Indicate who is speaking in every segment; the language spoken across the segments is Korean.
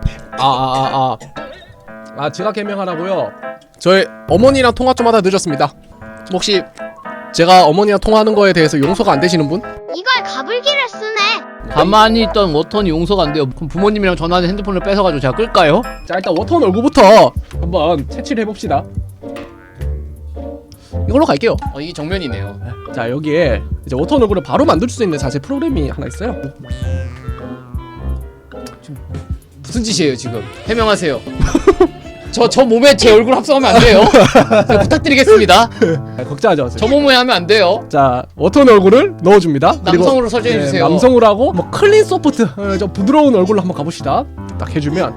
Speaker 1: 지각 해명하라고요? 저희 어머니랑 통화 좀 하다 늦었습니다. 혹시 제가 어머니랑 통화하는 거에 대해서 용서가 안 되시는 분?
Speaker 2: 이걸 가불기를 쓰네.
Speaker 3: 가만히 있던 워턴이 용서가 안 돼요. 그럼 부모님이랑 전화하는 핸드폰을 뺏어가지고 제가 끌까요?
Speaker 1: 자, 일단 워터원 얼굴부터 한번 채취를 해봅시다. 이걸로 갈게요.
Speaker 3: 이게 정면이네요.
Speaker 1: 자, 여기에 이제 워터원 얼굴을 바로 만들 수 있는 자체 프로그램이 하나 있어요.
Speaker 3: 무슨 짓이에요 지금? 해명하세요. 저 몸에 제 얼굴 합성하면 안 돼요. 제가 부탁드리겠습니다.
Speaker 1: 걱정하지 마세요.
Speaker 3: 저 몸에 하면 안 돼요.
Speaker 1: 자, 워터원 얼굴을 넣어줍니다.
Speaker 3: 남성으로 설정해주세요.
Speaker 1: 남성으로 하고 뭐 클린 소프트, 좀 부드러운 얼굴로 한번 가봅시다. 딱 해주면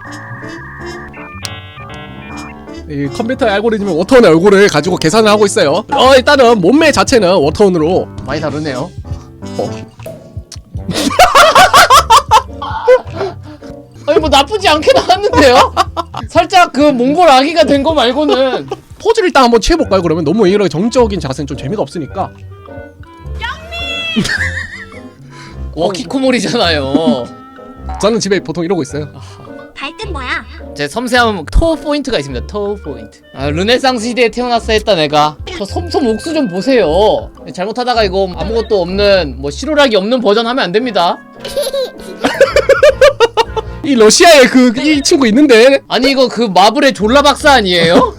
Speaker 1: 이 컴퓨터의 알고리즘이 워터원의 얼굴을 가지고 계산을 하고 있어요. 일단은 몸매 자체는 워터원으로
Speaker 3: 많이 다르네요. 아니 뭐 나쁘지 않게 나왔는데요? 살짝 그 몽골 아기가 된 거 말고는.
Speaker 1: 포즈를 일단 한번 취해볼까요? 그러면 너무 이런 정적인 자세는 좀 재미가 없으니까.
Speaker 3: 워키코몰이잖아요.
Speaker 1: 저는 집에 보통 이러고 있어요.
Speaker 2: 발끝 뭐야?
Speaker 3: 제 섬세한 토 포인트가 있습니다. 토 포인트. 르네상스 시대에 태어났어 했다 내가. 저 솜솜 옥수 좀 보세요. 잘못하다가 이거 아무것도 없는 뭐 실오락이 없는 버전 하면 안 됩니다.
Speaker 1: 이 러시아에 이 친구 있는데.
Speaker 3: 아니 이거 그 마블의 졸라 박사 아니에요?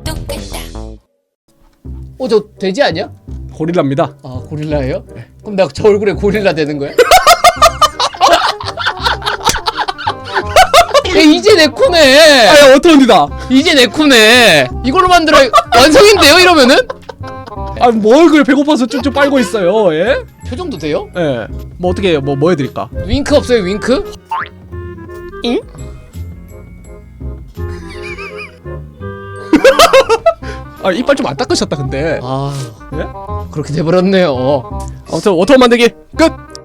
Speaker 3: 저 돼지 아니야?
Speaker 1: 고릴라입니다.
Speaker 3: 아 고릴라예요? 그럼 내가 저 얼굴에 고릴라 되는 거야? 야, 이제 내 코네.
Speaker 1: 워터원이다.
Speaker 3: 이제 내 코네. 이걸로 만들어 완성인데요 이러면은?
Speaker 1: 뭐 얼굴 배고파서 쭉쭉 빨고 있어요. 예?
Speaker 3: 표정도 돼요?
Speaker 1: 예. 뭐 어떻게 해요? 뭐 해드릴까?
Speaker 3: 윙크 없어요 윙크? 응?
Speaker 1: 이빨 좀 안 닦으셨다 근데.
Speaker 3: 아
Speaker 1: 예?
Speaker 3: 그렇게 돼버렸네요.
Speaker 1: 아무튼 워터원 만들기 끝.